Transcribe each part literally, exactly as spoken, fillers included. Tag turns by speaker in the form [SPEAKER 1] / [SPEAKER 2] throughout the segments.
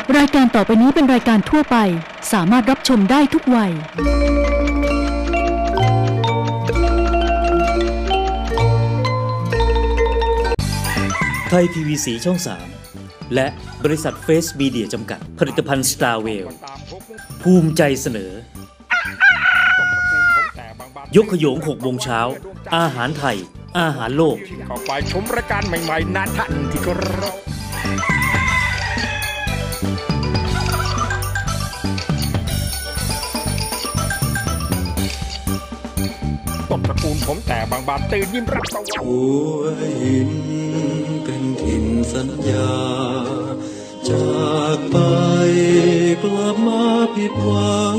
[SPEAKER 1] รายการต่อไปนี้เป็นรายการทั่วไปสามารถรับชมได้ทุกวัย
[SPEAKER 2] ไทย พี วี ซี ช่อง สาม และบริษัทเฟสมีเดียจำกัดผลิตภัณฑ์ Star Well ภูมิใจเสนอยกขยงหกโมงเช้าอาหารไทยอาหารโลก
[SPEAKER 3] เข้าไปชมรายการใหม่ๆนาทันที่เคารพต้นตระกูลผมแต่บางบานตื่นยิ้มรับตะวัน
[SPEAKER 4] หัวหินเป็นถิ่นสัญญาจากไปกลับมาผิดหวัง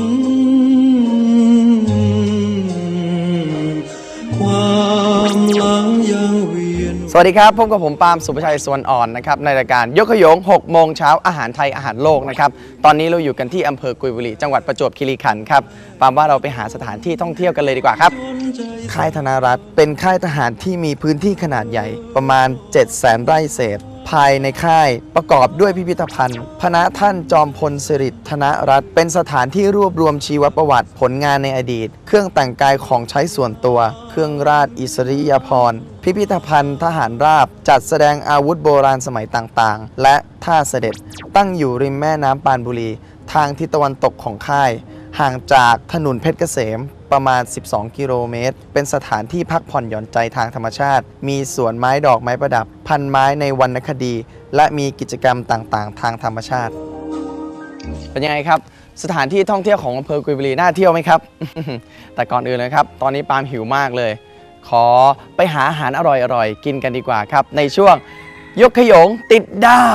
[SPEAKER 4] ความหลังยังเวียน
[SPEAKER 5] สวัสดีครับพบกับผมปาล์มสุภชัยสวนอ่อนนะครับในรายการยกขยงหกโมงเช้าอาหารไทยอาหารโลกนะครับตอนนี้เราอยู่กันที่อำเภอกุยบุรีจังหวัดประจวบคีรีขันธ์ครับปาล์มว่าเราไปหาสถานที่ท่องเที่ยวกันเลยดีกว่าครับค่ายธนารัตน์เป็นค่ายทหารที่มีพื้นที่ขนาดใหญ่ประมาณ เจ็ดแสน ไร่เศษภายในค่ายประกอบด้วยพิพิธภัณฑ์พระท่านจอมพลสิริธนรัตน์เป็นสถานที่รวบรวมชีวประวัติผลงานในอดีตเครื่องแต่งกายของใช้ส่วนตัวเครื่องราชอิสริยาภรณ์พิพิธภัณฑ์ทหารราบจัดแสดงอาวุธโบราณสมัยต่างๆและท่าเสด็จตั้งอยู่ริมแม่น้ำปานบุรีทางทิศตะวันตกของค่ายห่างจากถนนเพชรเกษมประมาณสิบสองกิโลเมตรเป็นสถานที่พักผ่อนหย่อนใจทางธรรมชาติมีสวนไม้ดอกไม้ประดับพันไม้ในวรรณคดีและมีกิจกรรมต่างๆทางธรรมชาติเป็นยังไงครับสถานที่ท่องเที่ยวของอำเภอกุยบุรีน่าเที่ยวไหมครับ แต่ก่อนอื่นเลยครับตอนนี้ปาล์มหิวมากเลยขอไปหาอาหารอร่อยๆกินกันดีกว่าครับในช่วงยกขยงติดดา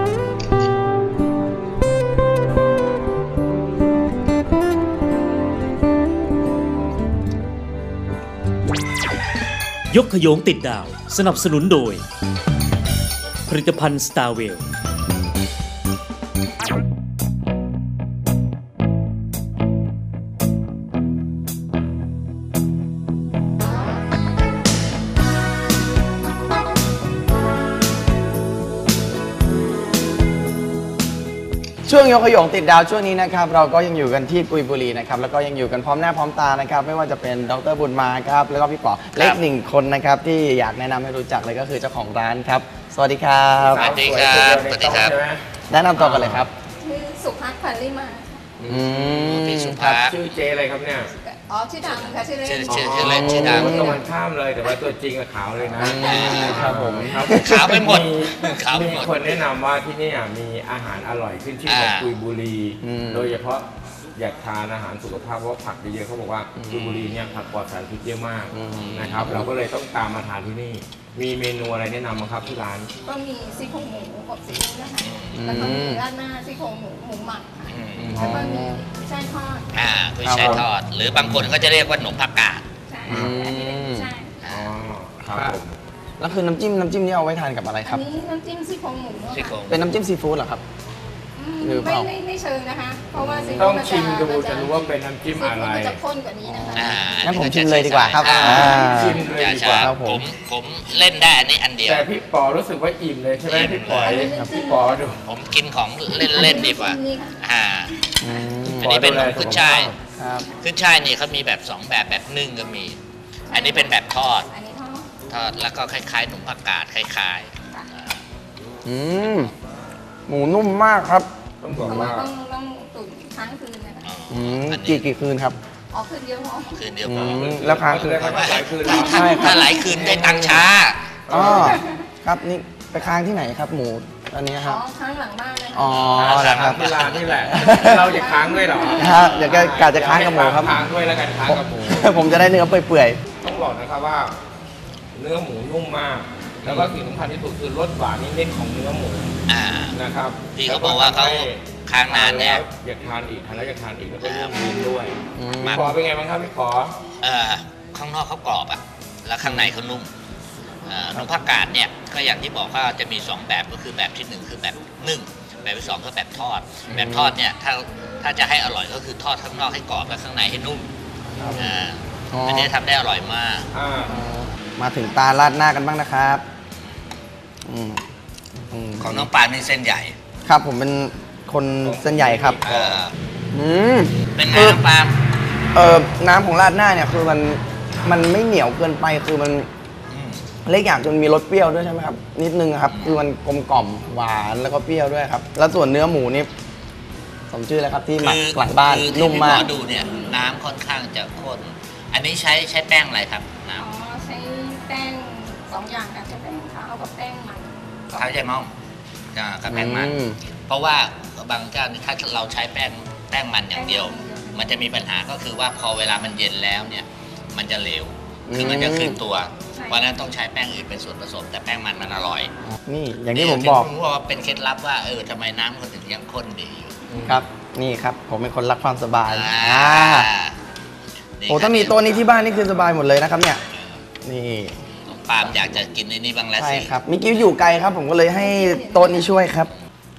[SPEAKER 2] วยกขยงติดดาวสนับสนุนโดยผลิตภัณฑ์ Star Well
[SPEAKER 5] ช่วงยกขยงติดดาวช่วงนี้นะครับเราก็ยังอยู่กันที่กุยบุรีนะครับแล้วก็ยังอยู่กันพร้อมหน้าพร้อมตานะครับไม่ว่าจะเป็นดร.บุญมาครับแล้วก็พี่ป๋อเล็กหนึ่งคนนะครับที่อยากแนะนำให้รู้จักเลยก็คือเจ้าของร้านครับสวัสดีครับ
[SPEAKER 6] สวัสดีครับสวัสดีครับ
[SPEAKER 5] แนะนำตัวกันเลยครับ
[SPEAKER 7] ชื่อสุภัทร พันลิมา
[SPEAKER 5] อืม
[SPEAKER 6] พี่สุภัทร
[SPEAKER 3] ชื่อเจอะไรครับเนี่ย
[SPEAKER 7] อ๋อชื่อดังค่ะชื่อเล่น
[SPEAKER 6] ชื่อชื่อเล่นชื่อดัง
[SPEAKER 3] ตรงกันข้ามเลยแต่ว่าตัวจริงกับขาวเลยนะครับผม
[SPEAKER 6] ขาวไปหมด
[SPEAKER 3] มีคนแนะนำว่าที่นี่มีอาหารอร่อยขึ้นชื่อของกุยบุรีโดยเฉพาะอยากทานอาหารสุขภาพเพราะผักเยอะๆเขาบอกว่ากุยบุรีเนี่ยผักปลอดสารพิษเยอะมากนะครับเราก็เลยต้องตามมาทานที่นี่มีเมนูอะไรแนะนำบ้างครับที่ร้าน
[SPEAKER 7] ก็มีซี่โครงหมูอบซีอิ๊วนะคะแล้วก็มีราดหน้าซี่โครงหมูหมูหมักค่ะแล้วก็มีกุ้ยช่ายทอด
[SPEAKER 6] อ่ากุ้ยช่ายทอดหรือบางคนก็จะเรียกว่าหนมผักกาด
[SPEAKER 7] ใช่อันนี้เป็นกุ้ยช่าย
[SPEAKER 3] อ๋อครับผม
[SPEAKER 5] แล้วคือน้ำจิ้มน้ำจิ้มนี่เอาไว้ทานกับอะไรครับ
[SPEAKER 7] อันนี้น้ำจิ้มซี่โครงหมู
[SPEAKER 5] เป็นน้ำจิ้มซีฟู้ดเหรอครับ
[SPEAKER 7] ไม่ไม่ไม่เชิงนะคะเพราะว่าซีฟู้ด
[SPEAKER 3] ต้องชิมดูจะรู้ว่าเป็นน้ำจิ้มอะไร
[SPEAKER 7] มันจะข้นกว่านี้นะคะ
[SPEAKER 5] งั้นผมชิมเลยดีกว่าครับ
[SPEAKER 3] ชิมเลยดีกว่า
[SPEAKER 6] ครับผมผมเล่นได้อันนี้อันเดียว
[SPEAKER 3] แต่พี่ปอรู้สึกว่าอิ่มเลยใช่ไหมพี่ปอพี่ปอดู
[SPEAKER 6] ผมกินของเล่นเล่นดีกว่าอ่าอันนี้เป็นขึ้นช่ายขึ้นช่ายนี่เขามีแบบสองแบบแบบนึ่งก็มีอันนี้เป็นแบบทอดทอดแล้วก็คล้ายๆหนมผักกาดคล้าย
[SPEAKER 5] ๆอืมหมูนุ่มมากครับ
[SPEAKER 7] ต้องบอกว่าต้องต้องตุ๋นค้างคืนนะคะ
[SPEAKER 5] อืมกี่กี่คืนครับ
[SPEAKER 7] อ๋อคืนเดียวพอ
[SPEAKER 6] คืนเดียวพอ
[SPEAKER 5] แล้วค้างคืน
[SPEAKER 3] หลายคืน
[SPEAKER 6] ใช่ถ้าหลายคืนได้ตังช้า
[SPEAKER 5] อ๋อครับนี่ไปค้างที่ไหนครับหมูอันนี้ครับ
[SPEAKER 7] อ๋อค้างหลังบ้านเลย
[SPEAKER 5] อ๋อครับ
[SPEAKER 3] ที่ร้านนี่แหละเราจะค้างด้วยหรอ
[SPEAKER 5] ฮะเดี๋ยวกะจะค้างกับหมูครับ
[SPEAKER 3] ค้างด้วยแล้วกันค้างกับหมู
[SPEAKER 5] ผมจะได้เนื้อเปื่อย
[SPEAKER 3] ๆต้องบอกนะครับว่าเนื้อหมูนุ่มมากแล้วก็สิ่งสำคัญที่สุดคือรสหวานนิดๆของเนื้อหมูนะครับ
[SPEAKER 6] พี่เขาบอกว่าเขาค้างนานเนี่ย
[SPEAKER 3] อยากทานอีกทานแล้วอยากทานอีกแล้วก็เริ่มกินด้วยพี่ขอเป็นไงบ้างครับพี่ขอ
[SPEAKER 6] เอ่อข้างนอกเขากรอบอ่ะแล้วข้างในเขานุ่มหนมผักกาดเนี่ยก็อย่างที่บอกว่าจะมีสองแบบก็คือแบบที่หนึ่งคือแบบนึ่งแบบที่สองก็แบบทอดแบบทอดเนี่ยถ้าถ้าจะให้อร่อยก็คือทอดข้างนอกให้กรอบและข้างในให้นุ่มอันนี้ทำได้อร่อยมาก
[SPEAKER 5] มาถึงตาราดหน้ากันบ้างนะครับ
[SPEAKER 6] ของน้องปานนี่เส้นใหญ่
[SPEAKER 5] ครับผมเป็นคคนเส้นใหญ่ครับ
[SPEAKER 6] เออ
[SPEAKER 5] อืม
[SPEAKER 6] เป็นไงน้องปาล์ม
[SPEAKER 5] เออน้ำของราดหน้าเนี่ยคือมันมันไม่เหนียวเกินไปคือมัน
[SPEAKER 6] อืม
[SPEAKER 5] เล็กอย่างจนมีรสเปรี้ยวด้วยใช่ไหมครับนิดนึงครับคือมันกลมกล่อมหวานแล้วก็เปรี้ยวด้วยครับแล้วส่วนเนื้อหมูนี่สมชื่อแล้วครับที่หมักหลังบ้าน
[SPEAKER 6] คือ
[SPEAKER 5] นุ่มมาก
[SPEAKER 6] ที่พี่หอดูเนี่ยน้ำค่อนข้างจะข้นอันนี้ใช้ใช้แป้งอะไรครับน้
[SPEAKER 7] อ๋อใช้แป้งสองอย่างค่ะใช้แป้งขาวกับแป้งมัน
[SPEAKER 6] ำเท้าใจม่อมอ่ากับแป้งมัน
[SPEAKER 5] อืม
[SPEAKER 6] เพราะว่าบางเจ้านี่ถ้าเราใช้แป้งแป้งมันอย่างเดียว มันจะมีปัญหาก็คือว่าพอเวลามันเย็นแล้วเนี่ยมันจะเหลวคือมันจะคืนตัว เพราะฉะนั้นต้องใช้แป้งอื่นเป็นส่วนผสม แต่แป้งมันมันอร่อย
[SPEAKER 5] นี่อย่างที่ผมบอก
[SPEAKER 6] ผมว่าเป็นเคล็ดลับว่าเออทำไมน้ำมันถึงยังข้นดีอยู่
[SPEAKER 5] ครับนี่ครับผมเป็นคนรักความสบาย
[SPEAKER 6] อ่า
[SPEAKER 5] อ่า
[SPEAKER 6] นี่
[SPEAKER 5] โอ้ถ้ามีโต๊ะนี้ที่บ้านนี่คือสบายหมดเลยนะครับเนี่ยนี่
[SPEAKER 6] น้องปาล์มอยากจะกินในนี้บ้างแล้ว
[SPEAKER 5] ใช่
[SPEAKER 6] สิ
[SPEAKER 5] ครับมิกิ้วอยู่ไกลครับ ผมก็เลยให้โต๊ะนี้ช่วยครับ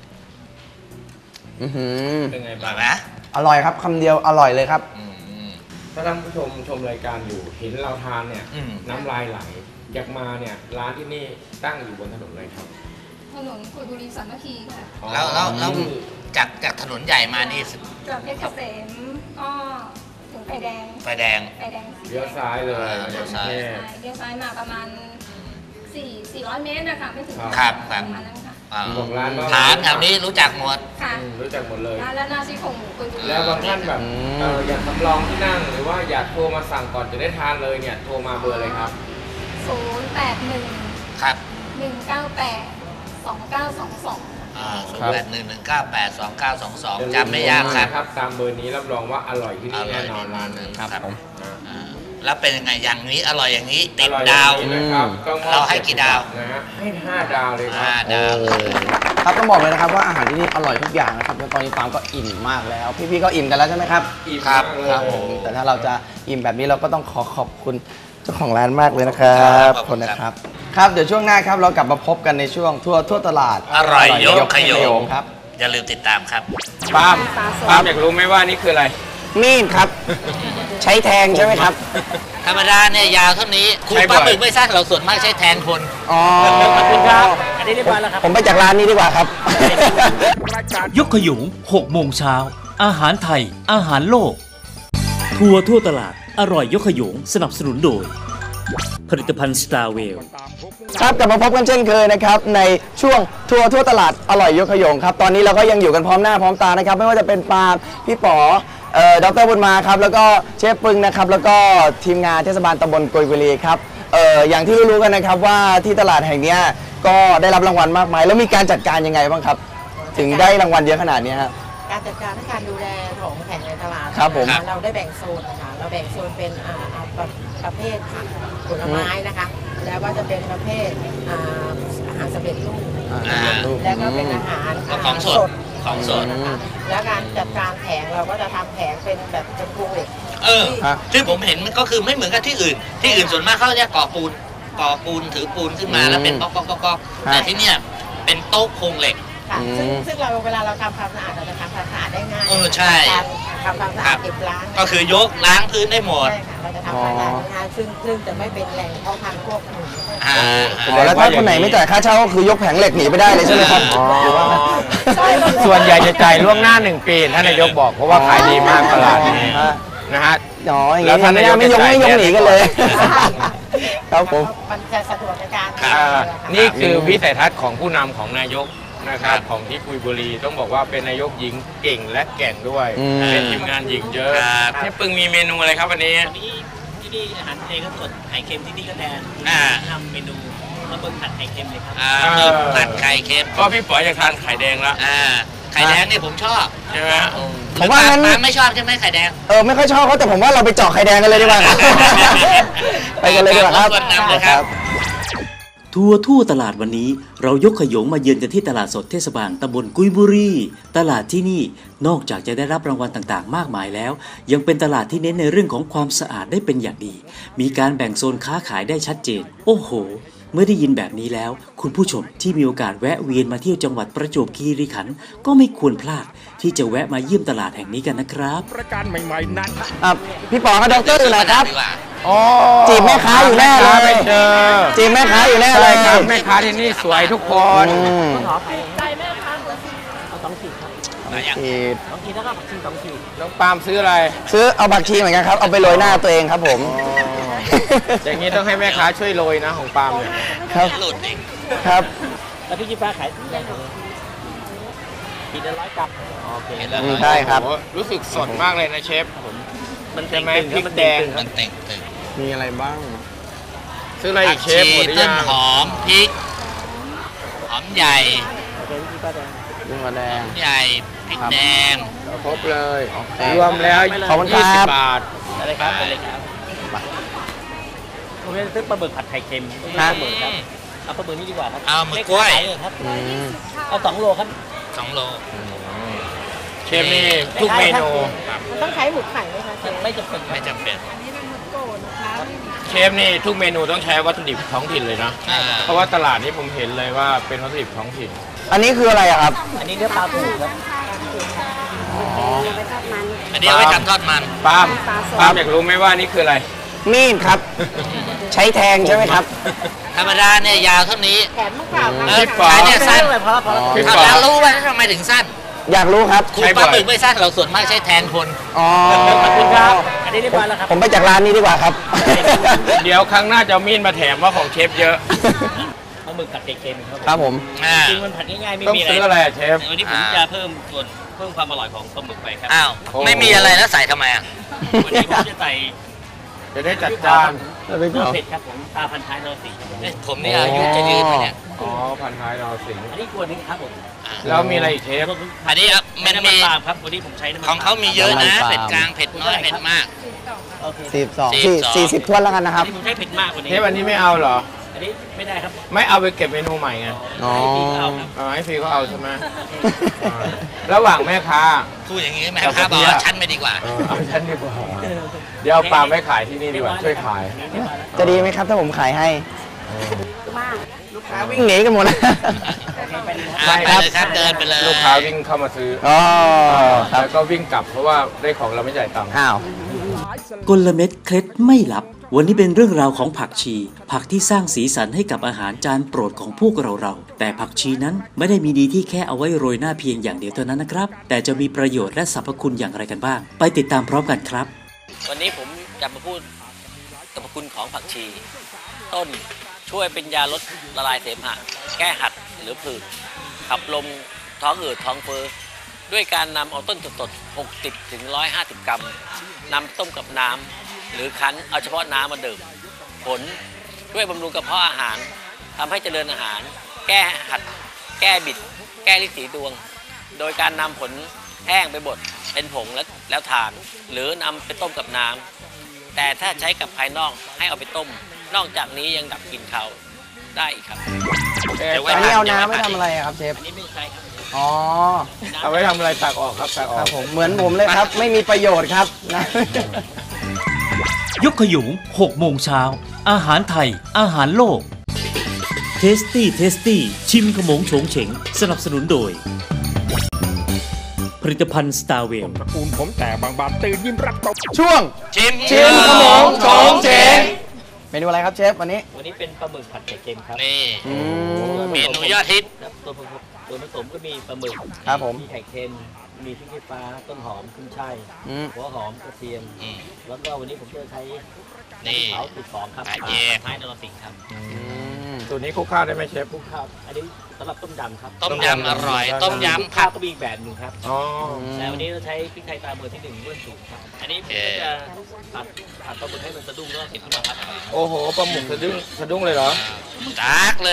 [SPEAKER 5] อือหือ
[SPEAKER 3] เป็นไง
[SPEAKER 6] อร่
[SPEAKER 3] บ้า
[SPEAKER 6] อง ยไหม
[SPEAKER 5] อร่อยครับคำเดียวอร่อยเลยครับ
[SPEAKER 6] อืมอืม
[SPEAKER 3] ถ้าท่านผู้ชมชมรายการอยู่เห็นเราทานเนี่ย
[SPEAKER 6] อืม
[SPEAKER 3] น้ำลายไหลอยากมาเนี่ยร้านที่นี่ตั้งอยู่บนถนนอะไรครับ
[SPEAKER 7] ถนนกุยบุรีสามัคคีค่ะ
[SPEAKER 6] แล้วแล้วแล้วจากจากถนนใหญ่มานี่
[SPEAKER 7] จากเพชรเกษมก็ถึงไฟแดง
[SPEAKER 6] ไฟแดง
[SPEAKER 7] ไฟแดง
[SPEAKER 3] เลี้ยวซ้ายเลย
[SPEAKER 6] อ่าเลี้ยวซ้าย
[SPEAKER 3] แค่
[SPEAKER 7] ใช่เลี้ยวซ้ายมาประมาณสี่สี่ร้อยเมตรนะคะไม่ถึง
[SPEAKER 6] ครับค
[SPEAKER 7] ป
[SPEAKER 6] รับ
[SPEAKER 7] ระมาณนั้นค่ะ
[SPEAKER 6] อ่า
[SPEAKER 3] บอกร้านว่า
[SPEAKER 6] ถามแถวนี้รู้จักหมด
[SPEAKER 7] ค่ะ
[SPEAKER 3] อืมรู้จักหมดเลย
[SPEAKER 7] ร้านและหน้าซี่โครงหมูกุยบุรี
[SPEAKER 3] แล้วบางท่านแบบ
[SPEAKER 5] อืม
[SPEAKER 3] เอ่ออยากทำลองที่นั่ง หรือว่าอยากโทรมาสั่งก่อนจะได้ทานเลยเนี่ยโทรมาเบอร์เลยครับ
[SPEAKER 7] ศูนย์แปดหนึ่ง
[SPEAKER 6] ครับ
[SPEAKER 7] หนึ่งเก้าแปดสองเก้าสองสอง
[SPEAKER 6] อ่าศูนย์แปดหนึ่งหนึ่งเก้าแปดสองเก้าสองสองจำไม่ยากครับ
[SPEAKER 3] ครับตามเบอร์นี้รับรองว่าอร่อยที่นี่แน่นอนร้านนี้
[SPEAKER 6] ครับ
[SPEAKER 5] ผม
[SPEAKER 6] อ่าแล้วเป็นยังไงอย่างนี้อร่อยอย่างนี้ติด
[SPEAKER 3] อร่อย
[SPEAKER 6] ดาว
[SPEAKER 3] อย่งนี้นะครับก็มอบ
[SPEAKER 6] เราให้กี่ดาว
[SPEAKER 3] นะฮะให้ห้าดาวเลยครั
[SPEAKER 6] ห้า
[SPEAKER 3] บ
[SPEAKER 6] ดาว
[SPEAKER 5] โอ้ครับต้องบอกเลยนะครับว่าอาหารที่นี่อร่อยทุกอย่างนะครับแล้วตอนนี้ฟาร์มก็อิ่มมากแล้ว พี่ๆก็อิ่มกันแล้วใช่ไหมครับ
[SPEAKER 3] อิ่ม
[SPEAKER 6] ครับ
[SPEAKER 3] มากเลย
[SPEAKER 5] ครับผมแต่ถ้าเราจะอิ่มแบบนี้เราก็ต้องขอขอบคุณเจ้าของร้านมากเลยนะครับ
[SPEAKER 6] ขอบ
[SPEAKER 5] ข
[SPEAKER 6] คุ
[SPEAKER 5] อบ
[SPEAKER 6] ณ
[SPEAKER 5] คุณ
[SPEAKER 6] ครับ
[SPEAKER 5] นะครับครับเดี๋ยวช่วงหน้าครับเรากลับมาพบกันในช่วงทั่วทั่วตลาด
[SPEAKER 6] อร่อยยกขยง
[SPEAKER 5] ครับ
[SPEAKER 6] อย่าลืมติดตามครับ
[SPEAKER 3] ปาล์มปาล์มอยากรู้ไหมว่านี่คืออะไร
[SPEAKER 5] มีดครับ ใช้แทงใช่ไหมครับ
[SPEAKER 6] ธรรมดาเนี่ยยาวเท่านี้คุณ
[SPEAKER 3] ใช้
[SPEAKER 6] ป
[SPEAKER 3] บ่
[SPEAKER 6] ลา
[SPEAKER 3] อย
[SPEAKER 6] หมึกไม่สั้นเราส่วนมากใช้แทนคน
[SPEAKER 5] อ๋อ
[SPEAKER 6] ขอบคุณครับ อันนี้เรียบร้อยแล้วครับ
[SPEAKER 5] ผมไปจากร้านนี้ดีกว่าครับ
[SPEAKER 2] ยกขยุงหกโมงเช้าอาหารไทย อาหารโลก ทัวร์ทั่วตลาด อร่อยยกขยุงสนับสนุนโดย ผลิตภัณฑ์ Star w e l l
[SPEAKER 5] ครับกลับมาพบกันเช่นเคยนะครับในช่วงทัวร์ทั่วตลาดอร่อยยกขยงครับตอนนี้เราก็ยังอยู่กันพร้อมหน้าพร้อมตานะครับไม่ว่าจะเป็นปาล์มพี่ป๋อเอ่อดรบุญมาครับแล้วก็เชฟปึงนะครับแล้วก็ทีมงานเทศบาลตำบลกุยบุรีครับเอ่ออย่างที่รู้ๆกันนะครับว่าที่ตลาดแห่งเนี้ยก็ได้รับรางวัลมากมาย แล้วมีการจัดการยังไงบ้างครับ ถึงได้รางวัลเยอะขนาดนี้ครับ
[SPEAKER 8] การจัดการและการดูแลของแผงในตลาด
[SPEAKER 5] ครับผม
[SPEAKER 8] นะะเราได้แบ่งโซนนะคะเราแบ่งโซนเป็นอ่าอ่าประประเภทผักผลไม้นะคะ แล้วก็จะเป็นประเภทอ่าอาหารสำเร็จรูป
[SPEAKER 6] อ่า
[SPEAKER 8] แล้วก็เป็นอาหาร
[SPEAKER 6] ก็ของสดของสด
[SPEAKER 8] นะคะแล้วการจัดการแผงเราก็จะทำแผงเป็นแบบเป็นพวงเหล็ก
[SPEAKER 6] เออ
[SPEAKER 5] ฮะ
[SPEAKER 6] ที่ผมเห็นมันก็คือไม่เหมือนกับที่อื่น ที่อื่นส่วนมากเขาจะก่อปูนก่อปูนถือปูนขึ้นมา
[SPEAKER 5] อืม
[SPEAKER 6] แล้วเป็นก๊อกก๊อกก๊อกก๊อก
[SPEAKER 5] ฮะ
[SPEAKER 6] แต่ที่เนี่ยเป็นโต๊ะโครงเหล็ก
[SPEAKER 8] ค่ะ
[SPEAKER 5] อืม
[SPEAKER 8] ซึ่งซึ่งเราเวลาเราทำความสะอาดเราจะทำความสะอาดได้ง่าย
[SPEAKER 6] เออใช่
[SPEAKER 8] การทำความสะอาดเก็บล้าง
[SPEAKER 6] ก็คือยกล้างพื้นได้หมด
[SPEAKER 8] ใช่ค่ะเราจะทำความสะอาดได้ง่ายซึ่งซึ่งจะไม่เป็นแหล่งเพาะพันธุ์พวกหนู
[SPEAKER 6] อ่า
[SPEAKER 5] อ๋อแล้วถ้าคนไหนไม่จ่ายค่าเช่าก็คือยกแผงเหล็กหนีไปได้เลยใช่ไหมครับหรือว่า
[SPEAKER 3] ส่วนใหญ่จะจ่ายล่วงหน้าหนึ่งปีท่านนายกบอกเพราะว่าขายดีมากตลาดนี้
[SPEAKER 5] ฮะ
[SPEAKER 3] นะฮะ
[SPEAKER 5] อ๋ออย่าง
[SPEAKER 3] แล้
[SPEAKER 5] นี้
[SPEAKER 3] วท่าน
[SPEAKER 5] ไม่
[SPEAKER 3] นายก
[SPEAKER 5] ไม่ยก
[SPEAKER 3] จะจ่าย
[SPEAKER 5] ไม่ยกหนีกันเลย ครับผม
[SPEAKER 8] มันจะสะดวกในการ
[SPEAKER 3] อ่า
[SPEAKER 8] ค่ะ
[SPEAKER 3] นี่คือวิสัยทัศน์ของผู้นำของนายกนะครับ
[SPEAKER 6] ครับ
[SPEAKER 3] ของที่กุยบุรีต้องบอกว่าเป็นนายกหญิงเก่งและแกร่งด้วย
[SPEAKER 5] อืม
[SPEAKER 3] เป็นทีมงานหญิงเยอะ
[SPEAKER 6] ครับ
[SPEAKER 3] เชฟปึงมีเมนูอะไรครับวันนี้
[SPEAKER 9] ที่ที่นี่อาหารทะเลก็สดไข่เค็มที่นี่ก็แทน
[SPEAKER 6] อ่า
[SPEAKER 9] ทำเมนูข้าวต้มผัดไข่เค็มเลยครับ
[SPEAKER 6] อ่าหมึกผัดไข่เค็ม
[SPEAKER 3] ก็พี่ป๋ออยากทานไข่แดงละ
[SPEAKER 6] อ่าไข่แดงเนี่ยผมชอบ
[SPEAKER 3] ใช่ไหม
[SPEAKER 5] ผมว่างั้น
[SPEAKER 6] ปลไม่ชอบใช่ไหมไข่แดง
[SPEAKER 5] เออไม่ค่อยชอบเขาแต่ผมว่าเราไปเจาะไข่แดงกันเลยดีกว่าครับ ไปกันเลยดีกว่าครับ
[SPEAKER 6] รบกวนนำเลยครับ
[SPEAKER 2] ทัวร์ทั่วตลาดวันนี้เรายกขยงมาเยือนกันที่ตลาดสดเทศบาลตำบลกุยบุรีตลาดที่นี่นอกจากจะได้รับรางวัลต่างๆ มากมายแล้ว ยังเป็นตลาดที่เน้นในเรื่องของความสะอาดได้เป็นอย่างดี มีการแบ่งโซนค้าขายได้ชัดเจน โอ้โห เมื่อได้ยินแบบนี้แล้ว คุณผู้ชมที่มีโอกาสแวะเวียนมาเที่ยวจังหวัดประจวบคีรีขันธ์ก็ไม่ควรพลาดที่จะแวะมาเยี่ยมตลาดแห่งนี้กันนะครับ
[SPEAKER 5] อ่ะพี่ป๋อกับดรอยู่ไหนครับ
[SPEAKER 6] ดีกว่า
[SPEAKER 3] อ๋อ
[SPEAKER 5] จีบแม่ค้าอยู่แน่เลย
[SPEAKER 3] ไม่เจอ
[SPEAKER 5] จีบแม่ค้าอยู่แน่เล
[SPEAKER 3] ใช่
[SPEAKER 5] ย
[SPEAKER 3] ครับแม่ค้าที่นี่สวยทุกคน
[SPEAKER 5] อืม
[SPEAKER 8] ขอไปใจแม่ค้าเอาสองขีดครับ
[SPEAKER 6] มายัง
[SPEAKER 5] ขีด
[SPEAKER 9] สองขีดแล้วก็ผักชีสองขีด
[SPEAKER 3] น้องปาล์มซื้ออะไร
[SPEAKER 5] ซื้อเอาผักชีเหมือนกันครับเอาไปโรยหน้าตัวเองครับผม
[SPEAKER 3] อย่างนี้ต้องให้แม่ค้าช่วยโรยนะของปาล์มเนี่ย
[SPEAKER 5] ครับ
[SPEAKER 6] หลุดเอง
[SPEAKER 5] ครับ
[SPEAKER 9] แล้วพี่จีฟ้าขายได้ไหมขีดละร้อยกรัมโอเค
[SPEAKER 6] เห็นแล้ว
[SPEAKER 5] อืมใช่ครับ
[SPEAKER 3] โอ้โหรู้สึกสดมากเลยนะเชฟ
[SPEAKER 9] มัน
[SPEAKER 3] ใช่ไหม
[SPEAKER 9] ตึงๆ
[SPEAKER 3] พริก
[SPEAKER 9] มัน
[SPEAKER 3] แดง
[SPEAKER 9] ตึงๆค
[SPEAKER 6] มั
[SPEAKER 9] รับ
[SPEAKER 6] นเต่งตึง
[SPEAKER 5] มีอะไรบ้าง
[SPEAKER 3] ซื้ออะไร
[SPEAKER 6] ผั
[SPEAKER 3] อี
[SPEAKER 6] ก
[SPEAKER 3] กเช
[SPEAKER 6] ชี
[SPEAKER 3] ฟหมดหรือ
[SPEAKER 6] ต้
[SPEAKER 3] ยั
[SPEAKER 6] น
[SPEAKER 3] ง
[SPEAKER 6] หอมพริกหอมใหญ่
[SPEAKER 9] โอเคพี่จีฟ้าแดง
[SPEAKER 5] ลูกมะแดง
[SPEAKER 6] หอมใหญ่พริกแดง
[SPEAKER 3] ครบเลย
[SPEAKER 5] โอเค
[SPEAKER 3] รวมแล้ว
[SPEAKER 5] ขอบคุณครับ
[SPEAKER 3] ยี่สิบบาท
[SPEAKER 9] อะไรครับอะไรครับผมจะซื้อปลาหมึกผัดไข่เค็มป
[SPEAKER 5] ฮะ
[SPEAKER 9] ลาหมึกครับเอาปลาหมึกนี่ดีกว่าครับ
[SPEAKER 6] เอาหมึกกล้วย
[SPEAKER 9] เล็ขายเลยครับ
[SPEAKER 5] อืม
[SPEAKER 9] เอาสองโลครับ
[SPEAKER 6] สองโล
[SPEAKER 3] เชฟนี่ทุกเมนู
[SPEAKER 8] มันต้องใช้หมึกไข่ไหมคะเชฟ
[SPEAKER 9] ไม่จำเป็นครับ
[SPEAKER 6] ไม่จำเป็น
[SPEAKER 3] เชฟนี่ทุกเมนูต้องใช้วัตถุดิบท้องถิ่นเลยนะ
[SPEAKER 6] อ่า
[SPEAKER 3] เพราะว่าตลาดนี้ผมเห็นเลยว่าเป็นวัตถุดิบท้องถิ่น
[SPEAKER 5] อันนี้คืออะไรอะครับ
[SPEAKER 9] อันนี้เนื้อปลาถูครับ
[SPEAKER 6] อันนี้เอาไว้ทำทอดมัน
[SPEAKER 3] ปาล์มปาล์มอยากรู้ไหมว่านี่คืออะไร
[SPEAKER 5] มีดครับ ใช้แทงใช่ไหมครับ
[SPEAKER 6] ธรรมดาเนี่ยยาวเท่านี้
[SPEAKER 8] แถมมะพร้าว
[SPEAKER 6] เออ
[SPEAKER 3] พี่ปอ
[SPEAKER 6] ขายเนี่ยสั้น
[SPEAKER 9] เลยพอแล้วพอแล้ว
[SPEAKER 3] พี่ป
[SPEAKER 6] เอาแล้วรู้ว่าทำไมถึงสั้น
[SPEAKER 5] อยากรู้ครับ
[SPEAKER 6] ครูปลาหมึกไม่สั้นเราส่วนมากใช้แทนคน
[SPEAKER 5] อ๋อ
[SPEAKER 9] ขอบคุณครับ อันนี้เรียบร้อยแล้วครับ
[SPEAKER 5] ผมไปจากร้านนี้ดีกว่าครับ
[SPEAKER 3] เดี๋ยวครั้งหน้าจะเอามีดมาแถมว่าของเชฟเยอะ
[SPEAKER 9] ปลาหมึกผัดไข่เค็มครับ
[SPEAKER 5] ครับผม
[SPEAKER 6] อ่า
[SPEAKER 9] จริงมันผัดง่ายๆไม่
[SPEAKER 3] ต้อง
[SPEAKER 9] มีอะไร
[SPEAKER 3] ซื้ออะไรอะเชฟ
[SPEAKER 9] วันนี้ผมจะเพิ่มส่วนเพิ่มความอร่อยของปลาหมึกไปครับ
[SPEAKER 6] อ้าว
[SPEAKER 3] โอ้
[SPEAKER 6] ไม่มีอะไรแล้วใส่ทำไมอ่ะ
[SPEAKER 9] วันนี้ผมจะใส่
[SPEAKER 3] จะได้จัดจาน
[SPEAKER 5] แล้วเป็น
[SPEAKER 9] เครื่
[SPEAKER 5] ข
[SPEAKER 9] อง
[SPEAKER 5] อง
[SPEAKER 9] เผ็ดครับผมตาพันท้ายนรสิงห์ครับผม
[SPEAKER 6] เอ๊ะผมนี่อายุจะยืนไหมเนี่ย
[SPEAKER 3] อ๋อพันท้ายนอสิงห์
[SPEAKER 9] อันนี้ควรนึงครับผม
[SPEAKER 6] อ่า
[SPEAKER 3] แล้วมีอะไรอีกเชฟ
[SPEAKER 6] อันนี้อ่ะมัน
[SPEAKER 9] น้ำมั
[SPEAKER 6] มี
[SPEAKER 9] นปาล์มครับวันนี้ผมใช้น้ำมัน
[SPEAKER 6] ของเขามีเยอะนะ
[SPEAKER 5] น้ำมันปาล์ม
[SPEAKER 6] เผ็ดกลางเผ็ดน้อยเผ็ดมาก
[SPEAKER 9] โอเค
[SPEAKER 5] สี่สิบสอง
[SPEAKER 6] สี่
[SPEAKER 5] สี่
[SPEAKER 6] สิบสอง
[SPEAKER 5] สี่สิบถ้วนแล้วกันนะค
[SPEAKER 9] อั
[SPEAKER 5] รั
[SPEAKER 9] น
[SPEAKER 5] บ
[SPEAKER 9] นี้ผมใช้เผ็ดมากกว่านี้
[SPEAKER 3] เชฟอันนี้ไม่เอาเหรอ
[SPEAKER 9] อันนี้ไม่ได้ครับ
[SPEAKER 3] ไม่เอาไปเก็บเมนูใหม่ไง
[SPEAKER 5] อ๋อ
[SPEAKER 9] ให้พี่เอาครับ
[SPEAKER 3] อ๋อให้ฟรีเขาเอาใช่ไหมอ่าระหว่างแม่ค้า
[SPEAKER 6] พูดอย่างนี้แม่ค้าบอกว่าชั้นไม่ดีกว่า
[SPEAKER 3] เออเอาฉันดีกว่าเดี๋ยวเอาปลาไม่ขายที่นี่ดีกว่าช่วยขาย
[SPEAKER 5] จะดีไหมครับถ้าผมขายให้
[SPEAKER 8] มาก
[SPEAKER 5] ลูกค้าวิ่งหนีกันหมดแล้ว
[SPEAKER 6] อ่าไปเลยครับเดินไปเลย
[SPEAKER 3] ลูกค้าวิ่งเข้ามาซื้อ
[SPEAKER 5] อ๋อครับ
[SPEAKER 3] แล้วก็วิ่งกลับเพราะว่าได้ของเราไม่จ่ายตังค์
[SPEAKER 5] อ้าว
[SPEAKER 2] กลเม็ดเคล็ดไม่ลับ วันนี้เป็นเรื่องราวของผักชี ผักที่สร้างสีสันให้กับอาหารจานโปรดของพวกเราเราๆแต่ผักชีนั้นไม่ได้มีดีที่แค่เอาไว้โรยหน้าเพียงอย่างเดียวเท่านั้นนะครับ แต่จะมีประโยชน์และสรรพคุณอย่างไรกันบ้าง ไปติดตามพร้อมกันครับ
[SPEAKER 9] วันนี้ผมจะมาพูดสรรพคุณของผักชี ต้นช่วยเป็นยาลดละลายเสมหะแก้หัดหรือผื่นขับลมท้องอืดท้องเฟ้อด้วยการนำเอาต้นสดๆหกสิบถึงหนึ่งร้อยห้าสิบกรัมนำต้มกับน้ำหรือคั้นเอาเฉพาะน้ำมาดื่มผลช่วยบำรุงกระเพาะอาหารทำให้เจริญอาหาร แก้หัด แก้บิด แก้ลิ้นสีดวง โดยการนำผลแห้งไปบดเป็นผงแล้วแล้วทาน หรือนำไปต้มกับน้ำแต่ถ้าใช้กับภายนอกให้เอาไปต้ม นอกจากนี้ยังดับกลิ่นคาวได้อีกครับ
[SPEAKER 3] เอ๊ะ
[SPEAKER 6] เดี๋ยวไว้
[SPEAKER 5] อันนี้เอาน้ำไว้ทำอะไรอะครับเชฟ
[SPEAKER 9] อันนี้ไม่ใช่ครับ
[SPEAKER 5] อ๋อ
[SPEAKER 3] เอาไว้ทำอะไรตักออกครับตักอ
[SPEAKER 5] ค
[SPEAKER 3] อ
[SPEAKER 5] รั
[SPEAKER 3] ก
[SPEAKER 5] บผม เหมือนผมเลยครับ ไม่มีประโยชน์ครับนะ
[SPEAKER 2] ยกขยุงหกโมงเช้า อาหารไทย อาหารโลก เทสตี้เทสตี้ชิมขมงโฉงเฉงสนับสนุนโดย ผลิตภัณฑ์สตาร์เวล
[SPEAKER 3] ตระกูลผมแต่บางบานตื่นยิ้มรับตบ
[SPEAKER 5] ช่วง
[SPEAKER 6] ชิม
[SPEAKER 5] ชิมขมงโฉงเฉงเมนูอะไรครับเชฟวันนี้
[SPEAKER 9] วันนี้เป็นปลาหมึกผัดไข่เค็มครับ
[SPEAKER 6] นี่
[SPEAKER 5] อืม
[SPEAKER 6] เมนูยอดฮิต
[SPEAKER 9] ครับตัวผสมตัวผสมก็มีปลาหมึก
[SPEAKER 5] ครับผม
[SPEAKER 9] มีไข่เค็ม มีพริกขี้ฟ้า ต้นหอมขึ้นช่าย
[SPEAKER 5] อืม
[SPEAKER 9] หัวหอมกระเทียม
[SPEAKER 6] อืม
[SPEAKER 9] แล้วก็วันนี้ผมจะใช้
[SPEAKER 6] นี่
[SPEAKER 9] เผาติดสองครับ
[SPEAKER 6] กระเทียม
[SPEAKER 9] ท้ายนรสิงห์ครับ
[SPEAKER 5] อืม
[SPEAKER 3] สูตรนี้คลุกข้าวได้ไหมเชฟ
[SPEAKER 9] คลุกข้าวอันนี้สำหรับต้มยำครับ
[SPEAKER 6] ต้มยำอร่อย ต้มยำ
[SPEAKER 9] ข้า
[SPEAKER 6] ผั
[SPEAKER 9] ว
[SPEAKER 6] ก
[SPEAKER 9] ก็มีอีกแบบหนึ่งครับ
[SPEAKER 3] อ๋อ
[SPEAKER 9] แต่วันนี้เราใช้พริกไทยตาเบอร์ที่หนึ่งเบื้องสูงครับ อันนี้ผมก็จะผัดผัดปลาหมึกให้มันสะดุ้งแล้วก็ติดขึ้นมาครับ
[SPEAKER 3] โอ้โหปลาหมึกสะดุ้งสะดุ้งเลยเหรอ
[SPEAKER 6] จากเลย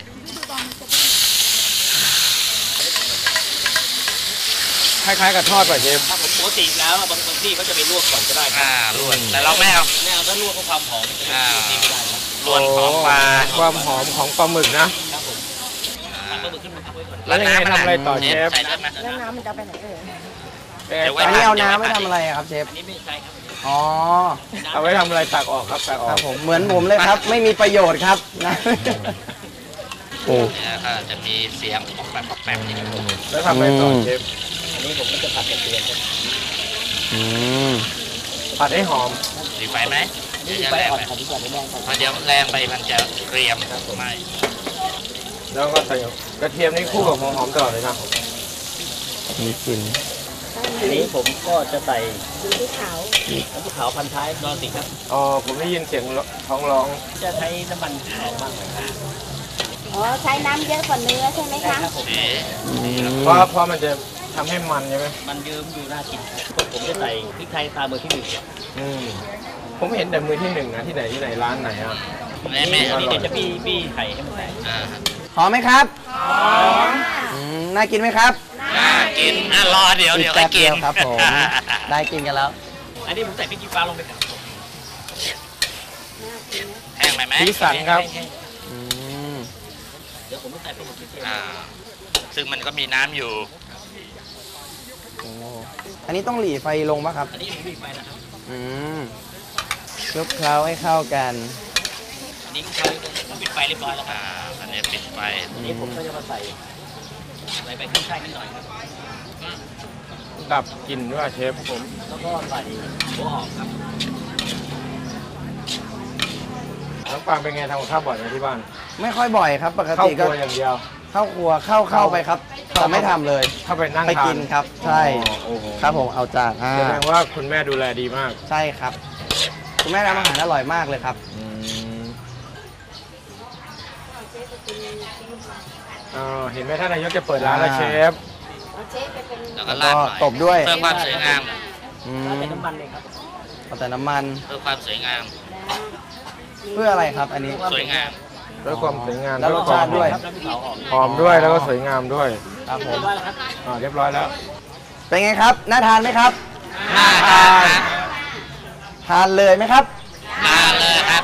[SPEAKER 3] คล้ายๆกับทอดป่ะเชฟ
[SPEAKER 9] ถ้าผมปกติแล้วบางบางที่เขาจะไปลวกก่อนก็ได้ครั
[SPEAKER 6] อ่าลวกแต่เราไม่เอา
[SPEAKER 9] ไม่เอาถ้าลวกเพราะความหอมมันจะ
[SPEAKER 6] อ่า
[SPEAKER 9] นี่ไม่ได้ครับ
[SPEAKER 6] ลวนของปลา
[SPEAKER 3] ความหอมของปลาหมึกนะ
[SPEAKER 9] ครับผมผัดปลาหมึกขึ้นมาพักไว้ก่อน
[SPEAKER 3] แล้วยังไงทำอะไรต่อเชฟ
[SPEAKER 6] ใส่ได้ไหม
[SPEAKER 8] แล้วน้ำมันจะไปไหนเอ่ย
[SPEAKER 3] เอ๊ะ
[SPEAKER 6] เดี๋ยวไว้
[SPEAKER 5] อันนี้เอาน้ำไว้ทำอะไรอะครับเชฟ
[SPEAKER 9] อันนี้ไม่ใช่ครับ
[SPEAKER 5] อ๋อ
[SPEAKER 3] เอาไว้ทำอะไรตักออกครับตักอ
[SPEAKER 5] ค
[SPEAKER 3] อ
[SPEAKER 5] รั
[SPEAKER 3] ก
[SPEAKER 5] บผม เหมือนผมเลยครับ ไม่มีประโยชน์ครับนะ โอ้
[SPEAKER 6] เนี่ยก็จะมีเสียงออกแบบออกแบบนี้
[SPEAKER 3] แล้วทำอะไรต่อเชฟ
[SPEAKER 9] อันนี้ผมก็จะผัดกระเทียมครับ
[SPEAKER 5] อืม
[SPEAKER 3] ผัดให้หอม
[SPEAKER 6] ดีไฟไหม
[SPEAKER 9] นี่
[SPEAKER 6] เดี๋ยว
[SPEAKER 9] ไฟ
[SPEAKER 6] จะแรง
[SPEAKER 9] อ่อน
[SPEAKER 6] ไป
[SPEAKER 9] ผัดดีกว่าไม่แรงครับ
[SPEAKER 6] เพราะเดี๋ยวแรงไปมันจะเกรียมไม่
[SPEAKER 3] แล้วก็ใส่กระเทียมนี่คู่กับหัวหอมตลอดเลยนะ
[SPEAKER 5] มีกลิ่น
[SPEAKER 9] อันนี้ผมก็จะใส่
[SPEAKER 8] สีที่ขาว
[SPEAKER 9] น้ำพริกเผาพันท้ายนอนสิครับ
[SPEAKER 3] อ๋อผมได้ยินเสียงท้องร้อง
[SPEAKER 9] จะใช้น้ำมันหอมมากเลยครับ
[SPEAKER 7] อ๋อใช้น้ำเยอะกว่าเนื้อใช่ไหมคะ
[SPEAKER 9] ครับผม
[SPEAKER 3] เพราะเพราะมันจะทำให้มันใช่ไหม
[SPEAKER 9] มันเยิ้มดูน่ากินครับผมจะใส่พริกไทยตามมือที่หนึ่ง
[SPEAKER 3] อืมผมเห็นแต่มือที่หนึ่งนะที่ไหนที่ไหนร้านไหนอ่ะ
[SPEAKER 6] แม่แม่
[SPEAKER 9] อันนี้เดี๋ยวจะปี้ปี้ไข่ให้มันแตก
[SPEAKER 6] อ่า
[SPEAKER 5] หอมไหมครับหอมน่ากินไหมครับ
[SPEAKER 6] น่ากินอ่ะรอเดี๋ยวเดี๋ยว
[SPEAKER 5] อี
[SPEAKER 6] ให้
[SPEAKER 5] แป๊บ
[SPEAKER 6] กิ
[SPEAKER 5] เดี
[SPEAKER 6] น
[SPEAKER 5] ยวครับผม ได้กินกันแล้ว
[SPEAKER 9] อันนี้ผมใส่พริกขี้ฟ้าลงไปกับ
[SPEAKER 6] แห้งไหมไหม
[SPEAKER 3] สีสันครับ
[SPEAKER 5] อืม
[SPEAKER 9] เดี๋ยวผมจะใส่ปลาหมึกที่เทียม
[SPEAKER 6] อ่าซึ่งมันก็มีน้ำอยู่
[SPEAKER 5] โอ้อันนี้ต้องหลีไฟลงป่ะครับ
[SPEAKER 9] อันนี้ผมบีบไปนะครับ
[SPEAKER 5] อืมคลุกเคล้าให้เข้ากัน
[SPEAKER 9] อันนี้เขาผมปิดไฟเรียบร้อยแล้วครับ
[SPEAKER 6] อ่าอันนี้ปิดไฟ
[SPEAKER 9] อันนี้ผมก็จะมาใส่ใส่ใบขึ้นช่ายนิดหน่อยครับ
[SPEAKER 3] ดับกลิ่นด้วยเชฟผม
[SPEAKER 9] แล้วก็ใส่หัวหอมครับ
[SPEAKER 3] น้องปางเป็นไงทำกับข้าวบ่อยไหมที่บ้าน
[SPEAKER 5] ไม่ค่อยบ่อยครับ ปก
[SPEAKER 3] เข้า
[SPEAKER 5] ติ
[SPEAKER 3] ค
[SPEAKER 5] ก็
[SPEAKER 3] รัวอย่างเดียว
[SPEAKER 5] เข้าครัวเข้าเข้าไปครับแต่ไม่ทำเลย
[SPEAKER 3] เข้าไปนั่ง
[SPEAKER 5] ไป
[SPEAKER 3] ทา
[SPEAKER 5] กินครับ ใช่
[SPEAKER 3] อ๋อโอ้โห
[SPEAKER 5] ครับผมเอาจานอ่า
[SPEAKER 3] แสดงว่าคุณแม่ดูแลดีมาก
[SPEAKER 5] ใช่ครับคุณแม่ทำอาหารอร่อยมากเลยครับ
[SPEAKER 3] อืมอ๋อเห็นไหมท่านนายกจะเปิดร้านแล้วเชฟ
[SPEAKER 7] เอาเชฟไปเป็น
[SPEAKER 6] แล้วก็
[SPEAKER 5] แล้ว
[SPEAKER 6] ราด
[SPEAKER 5] ก็
[SPEAKER 6] หน่อย
[SPEAKER 5] ตบด้วย
[SPEAKER 6] เพื่อความสวยงาม
[SPEAKER 5] อืม
[SPEAKER 9] แล้วใส่น้ำมันเลยครับ
[SPEAKER 5] เอาแต่น้ำมัน
[SPEAKER 6] เพื่อความสวยงาม
[SPEAKER 5] เพื่ออะไรครับอันนี้
[SPEAKER 6] สวยงาม
[SPEAKER 3] ด้วยความสวยงาม
[SPEAKER 5] แล้วรสชาติด้วย
[SPEAKER 9] ครับน้ำพริกเผาหอม
[SPEAKER 3] หอมด้วยแล้วก็สวยงามด้วย
[SPEAKER 5] ครับผม
[SPEAKER 9] เรียบร้อยแล้วครับ
[SPEAKER 3] อ่าเรียบร้อยแล้ว
[SPEAKER 5] เป็นไงครับ น่าทานไหมครับ
[SPEAKER 6] น่าทาน
[SPEAKER 5] ทานเลยไหมครับ
[SPEAKER 6] มาเลยครับ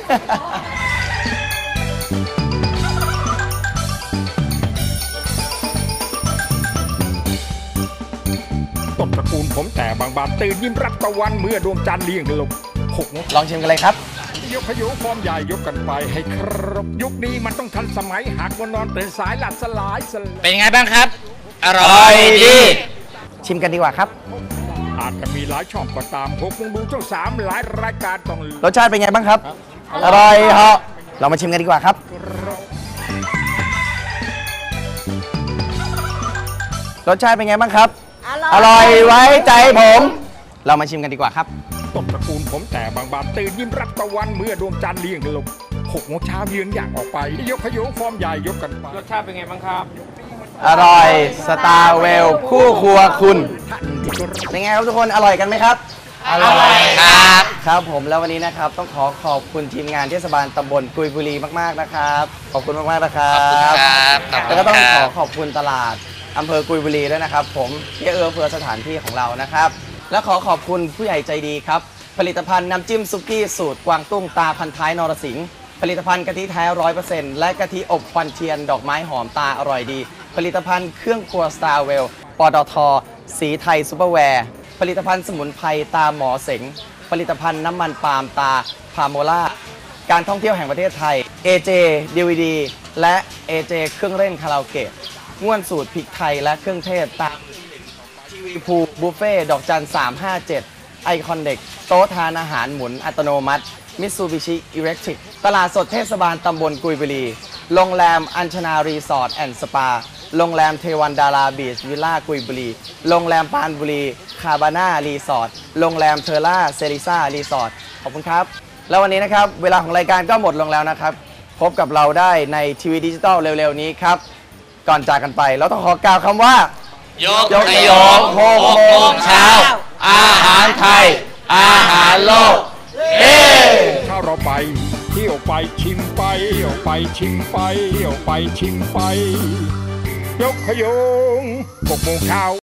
[SPEAKER 10] ต้นตระกูลผมแต่บางบานตื่นยิ้มรับตะวันเมื่อดวงจันทร์เลี้ยงลงหกโมง
[SPEAKER 5] ลองชิมกันเลยครับ
[SPEAKER 10] ยกขยุฟอร์มใหญ่ยกกันไปให้ครบยุคนี้มันต้องทันสมัยหากวันนอนตื่นสายหลับสลายสลาย
[SPEAKER 6] เป็นไงบ้างครับ อร่อยดี
[SPEAKER 5] ชิมกันดีกว่าครับ
[SPEAKER 10] อาจจะมีหลายช่องก็ตามหกโมงดูช่องสามหลายรายการต้อง
[SPEAKER 5] รสชาติเป็นไงบ้างครับ อร่อยเหรอเรามาชิมกันดีกว่าครับ รสชาติเป็นไงบ้างครับ อร่อยไว้ใจผม เรามาชิมกันดีกว่าครับ
[SPEAKER 10] ต้นตระกูลผมแต่บางบานตื่นยิ้มรับตะวันเมื่อดวงจันทร์เลี้ยงลงหกโมงเช้าเยือนอย่างออกไปยกขยุฟอร์มใหญ่ยกกันไป
[SPEAKER 3] รสชาติเป็นไงบ้างครับ
[SPEAKER 5] อร่อยสตาร์เวลคู่ครัวคุณ เป็นไงครับทุกคนอร่อยกันไหมครับ
[SPEAKER 6] อร่อยครับ
[SPEAKER 5] ครับผมแล้ววันนี้นะครับต้องขอขอบคุณทีมงานเทศบาลตำบลกุยบุรีมากๆนะครับขอบคุณมากๆนะครับ
[SPEAKER 6] ขอบคุณครับขอบคุณ
[SPEAKER 5] แล้วก็ต้อง
[SPEAKER 6] ค
[SPEAKER 5] ข
[SPEAKER 6] รั
[SPEAKER 5] อบ ขอบคุณตลาดอำเภอกุยบุรีด้วยนะครับ ผมที่เอื้อเฟื้อสถานที่ของเรานะครับ และขอขอบคุณผู้ใหญ่ใจดีครับผลิตภัณฑ์น้ำจิ้มซุกี้สูตรกวางตุ้งตาพันท้ายนรสิงห์ผลิตภัณฑ์กะทิแท้ร้อยเปอร์เซ็นต์และกะทิอบควันเทียนดอกไม้หอมตาอร่อยดี ผลิตภัณฑ์เครื่องครัวสตาร์เวลปตทสีไทยซูเปอร์แวร์ผลิตภัณฑ์สมุนไพรตาหมอเสงผลิตภัณฑ์น้ำมันปาล์มตาพาโมล่าการท่องเที่ยวแห่งประเทศไทย เอ เจ ดี วี ดี และ เอ เจ เครื่องเล่นคาราโอเกะง่วนสูตรพริกไทยและเครื่องเทศตามทีวีพูบุฟเฟ่ดอกจันสามห้าเจ็ดไอคอนเด็กโต๊ะทานอาหารหมุนอัตโนมัติมิตซูบิชิอิเล็กทริกตลาดสดเทศบาลตำบลกุยบุรีโรงแรมอัญชนารีสอร์ทแอนด์สปาโรงแรมเทวันดาราบีชวิลล่ากุยบุรีโรงแรมปานบุรีคาบาน่ารีสอร์ทโรงแรมเทอร่าเซริซ่ารีสอร์ทขอบคุณครับแล้ววันนี้นะครับเวลาของรายการก็หมดลงแล้วนะครับพบกับเราได้ในทีวีดิจิตอลเร็วๆนี้ครับก่อนจากกันไปเราต้องขอกล่าวคำว่าย
[SPEAKER 6] ก
[SPEAKER 5] ยก
[SPEAKER 6] ข
[SPEAKER 5] ข
[SPEAKER 6] ย
[SPEAKER 5] ย
[SPEAKER 6] ง
[SPEAKER 5] ง
[SPEAKER 6] ห
[SPEAKER 5] ห
[SPEAKER 6] ก
[SPEAKER 5] ก
[SPEAKER 6] โม
[SPEAKER 5] โม
[SPEAKER 6] ง
[SPEAKER 5] ง
[SPEAKER 6] เช้า
[SPEAKER 5] เช้าอาหารไทยอาหารโลกเฮ้
[SPEAKER 10] ถ้าเราไปเที่ยวไปชิมไปเที่ยวไปชิมไปเที่ยวไปชิมไปยกขยงหกโมงเช้า